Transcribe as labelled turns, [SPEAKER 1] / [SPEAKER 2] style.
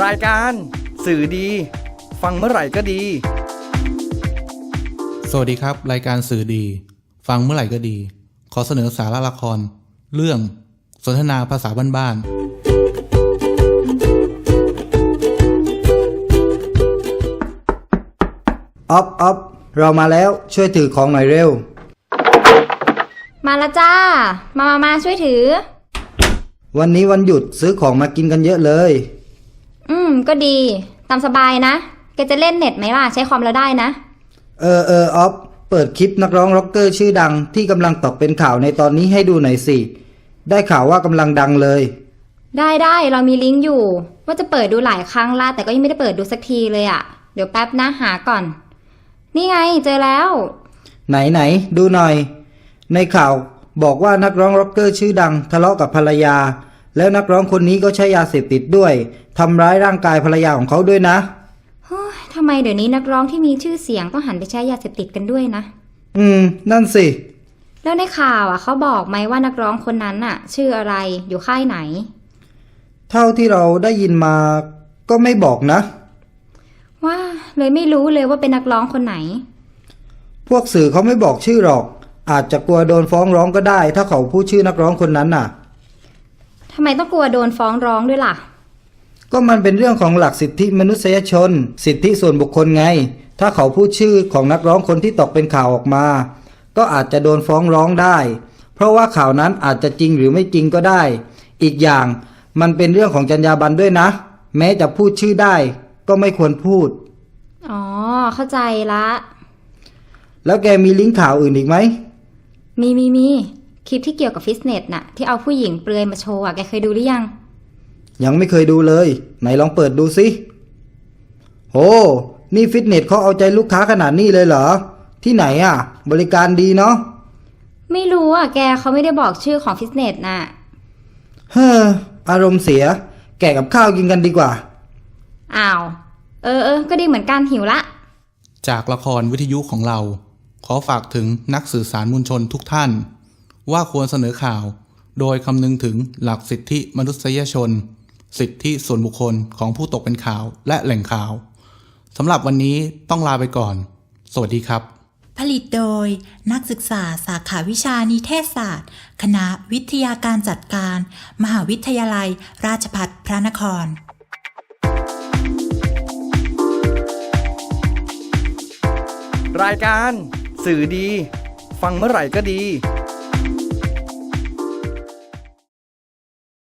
[SPEAKER 1] รายการสื่อดีฟังเมื่อไหร่ก็ดี
[SPEAKER 2] สวัสดีครับรายการสื่อดีฟังเมื่อไหร่ก็ดีขอเสนอสาระละครเรื่องสนทนาภาษาบ้าน
[SPEAKER 3] ออฟเรามาแล้วช่วยถือของหน่อยเร็ว
[SPEAKER 4] มาแล้วจ้ามาช่วยถือ
[SPEAKER 3] วันนี้วันหยุดซื้อของมากินกันเยอะเลย
[SPEAKER 4] ก็ดีตามสบายนะแกจะเล่นเน็ตไหมล่ะใช้คอมแล้วได้นะ
[SPEAKER 3] ออฟเปิดคลิปนักร้องร็อกเกอร์ชื่อดังที่กำลังตกเป็นข่าวในตอนนี้ให้ดูหน่อยสิได้ข่าวว่ากำลังดังเลย
[SPEAKER 4] ได้เรามีลิงก์อยู่ว่าจะเปิดดูหลายครั้งละแต่ก็ยังไม่ได้เปิดดูสักทีเลยอ่ะเดี๋ยวแป๊บนะหาก่อนนี่ไงเจอแล้ว
[SPEAKER 3] ไหนดูหน่อยในข่าวบอกว่านักร้องร็อกเกอร์ชื่อดังทะเลาะกับภรรยาแล้วนักร้องคนนี้ก็ใช้ยาเสพติดด้วยทำร้ายร่างกายภรรยาของเขาด้วยนะ
[SPEAKER 4] ทำไมเดี๋ยวนี้นักร้องที่มีชื่อเสียงต้องหันไปใช้ยาเสพติดกันด้วยนะ
[SPEAKER 3] นั่นสิ
[SPEAKER 4] แล้วในข่าวเขาบอกไหมว่านักร้องคนนั้นชื่ออะไรอยู่ค่ายไหน
[SPEAKER 3] เท่าที่เราได้ยินมาก็ไม่บอกนะ
[SPEAKER 4] ว่าเลยไม่รู้เลยว่าเป็นนักร้องคนไหน
[SPEAKER 3] พวกสื่อเขาไม่บอกชื่อหรอกอาจจะกลัวโดนฟ้องร้องก็ได้ถ้าเขาพูดชื่อนักร้องคนนั้นน่ะ
[SPEAKER 4] ทำไมต้องกลัวโดนฟ้องร้องด้วยล่ะ
[SPEAKER 3] ก็มันเป็นเรื่องของหลักสิทธิมนุษยชนสิทธิส่วนบุคคลไงถ้าเขาพูดชื่อของนักร้องคนที่ตกเป็นข่าวออกมาก็อาจจะโดนฟ้องร้องได้เพราะว่าข่าวนั้นอาจจะจริงหรือไม่จริงก็ได้อีกอย่างมันเป็นเรื่องของจรรยาบรรณด้วยนะแม้จะพูดชื่อได้ก็ไม่ควรพูด
[SPEAKER 4] อ๋อเข้าใจละ
[SPEAKER 3] แล้วแกมีลิงก์ข่าวอื่นอีกไหม
[SPEAKER 4] มีคลิปที่เกี่ยวกับฟิตเนสน่ะที่เอาผู้หญิงเปลือยมาโชว์แกเคยดูหรือ
[SPEAKER 3] ยังไม่เคยดูเลยไหนลองเปิดดูสิโหนี่ฟิตเนสเขาเอาใจลูกค้าขนาดนี้เลยเหรอที่ไหนบริการดีเนาะ
[SPEAKER 4] ไม่รู้แกเขาไม่ได้บอกชื่อของฟิตเนสน่ะ
[SPEAKER 3] อารมณ์เสียแกะกับข้าวกินกันดีกว่า
[SPEAKER 4] อ้าวก็ดีเหมือนกันหิวละ
[SPEAKER 2] จากละครวิทยุของเราขอฝากถึงนักสื่อสารมวลชนทุกท่านว่าควรเสนอข่าวโดยคำนึงถึงหลักสิทธิมนุษยชนสิทธิส่วนบุคคลของผู้ตกเป็นข่าวและแหล่งข่าวสำหรับวันนี้ต้องลาไปก่อนสวัสดีครับ
[SPEAKER 5] ผลิตโดยนักศึกษาสาขาวิชานิเทศศาสตร์คณะวิทยาการจัดการมหาวิทยาลัยราชภัฏพระนคร
[SPEAKER 1] รายการสื่อดีฟังเมื่อไหร่ก็ดี